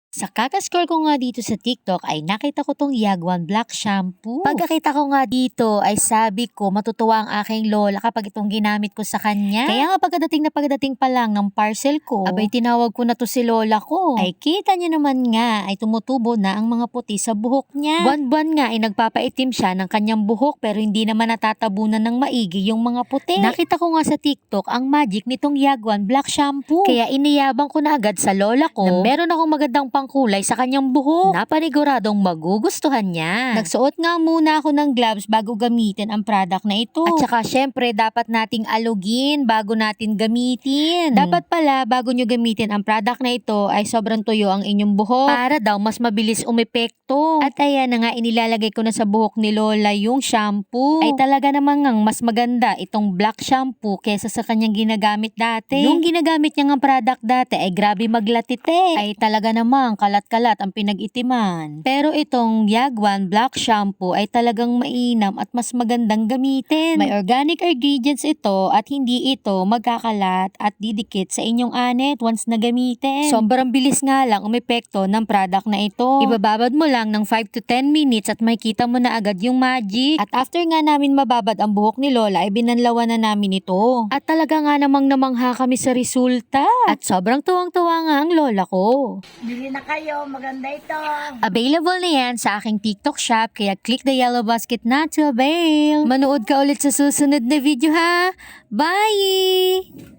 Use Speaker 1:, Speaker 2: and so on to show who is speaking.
Speaker 1: Sa kakascroll ko nga dito sa TikTok ay nakita ko tong Yagwan Black Shampoo. Pagkakita ko nga dito ay sabi ko matutuwa ang aking lola kapag itong ginamit ko sa kanya. Kaya nga pagdating pa lang ng parcel ko, abay tinawag ko na to si lola ko. Ay kita niya naman nga ay tumutubo na ang mga puti sa buhok niya. Buwan-buwan nga ay nagpapaitim siya ng kanyang buhok pero hindi naman natatabunan ng maigi yung mga puti. Nakita ko nga sa TikTok ang magic nitong Yagwan Black Shampoo. Kaya iniyabang ko na agad sa lola ko na meron akong magandang pangkulay sa kanyang buhok. Napaniguradong magugustuhan niya. Nagsuot nga muna ako ng gloves bago gamitin ang product na ito. At saka syempre dapat nating alugin bago natin gamitin. Dapat pala bago nyo gamitin ang product na ito ay sobrang tuyo ang inyong buhok para daw mas mabilis umepekto. At ayan na nga inilalagay ko na sa buhok ni Lola yung shampoo. Ay talaga namang mas maganda itong black shampoo kesa sa kanyang ginagamit dati. Yung ginagamit niya ng product dati ay grabe maglatite. Ay talaga namang kalat-kalat ang pinag-itiman. Pero itong Yagwan Black Shampoo ay talagang mainam at mas magandang gamitin. May organic ingredients ito at hindi ito magkakalat at didikit sa inyong anit once na gamitin. Sobrang bilis nga lang umepekto ng product na ito. Ibababad mo lang ng 5 to 10 minutes at makikita mo na agad yung magic. At after nga namin mababad ang buhok ni Lola ay binanlawan na namin ito. At talaga nga namang namangha kami sa resulta. At sobrang tuwang-tuwa nga ang lola ko.
Speaker 2: Bili na kayo, maganda ito.
Speaker 1: Available na yan sa aking TikTok shop kaya click the yellow basket na to avail. Manood ka ulit sa susunod na video ha. Bye!